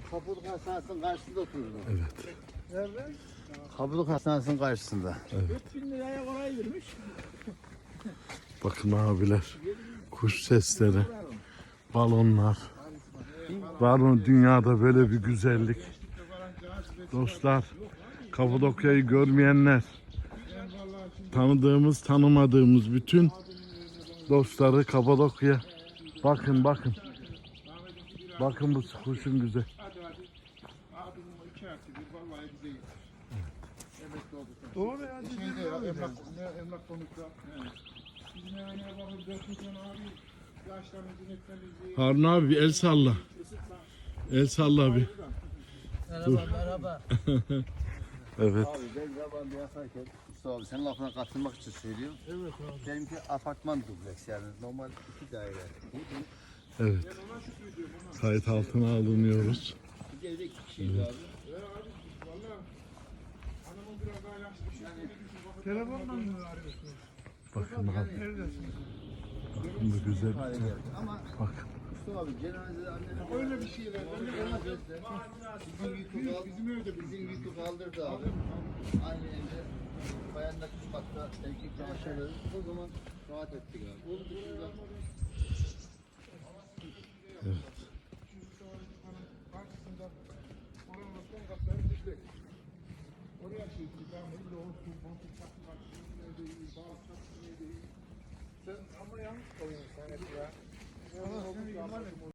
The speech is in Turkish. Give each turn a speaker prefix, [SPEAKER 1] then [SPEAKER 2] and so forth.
[SPEAKER 1] Kapılık Hastanesi'nin karşısında otururdum.
[SPEAKER 2] Evet.
[SPEAKER 3] Nerede?
[SPEAKER 1] Kapılık Hastanesi'nin karşısında.
[SPEAKER 2] Evet.
[SPEAKER 3] 4000 liraya oraya girmiş.
[SPEAKER 2] Bakın abiler. Kuş sesleri. Balonlar. Var mı dünyada böyle bir güzellik? Dostlar, Kapadokya'yı görmeyenler, tanıdığımız, tanımadığımız bütün dostları Kapadokya. Bakın, bakın. Bakın bu kuşun güzel.
[SPEAKER 3] Doğru ya.
[SPEAKER 4] Şeyde ya, emlak konukta. Bizim eve ne bakın 4 milyon abi. Yaşlarımızın etmemizi.
[SPEAKER 2] Harun abi bir el salla. El salla bir.
[SPEAKER 3] Merhaba, merhaba.
[SPEAKER 2] Evet.
[SPEAKER 1] Abi ben yabancı yaparken Mustafa abi senin lafına katılmak için söylüyorum.
[SPEAKER 3] Evet abi.
[SPEAKER 1] Benimki apartman dubleks yani normal 2 daire.
[SPEAKER 2] Evet. Kayıt altına alınıyoruz.
[SPEAKER 1] Bir evde 2 kişiyiz abi.
[SPEAKER 4] Hanımın biraz daha yaşlı bir şey.
[SPEAKER 3] Telefonla mı arıyorsunuz?
[SPEAKER 2] Bakın abi.
[SPEAKER 3] Neredesiniz?
[SPEAKER 2] Bakın bu güzel.
[SPEAKER 1] Hale geldi. Ama
[SPEAKER 2] Bakın.
[SPEAKER 1] Mustafa abi cenazede annenin
[SPEAKER 4] Öyle bir şeyler.
[SPEAKER 1] bizim yükü kaldırdı abi. Aynı evde bayanda üst katta erkek çamaşırları o zaman rahat ettik abi. Onun dışında
[SPEAKER 4] Karşısında oranın son katları düştük. Oraya şey devam ediyor. Olsun, kontuk takım karşısında ne değil, bazı takım ne değil. Sen ama yanlış koyuyorsun sen hep ya.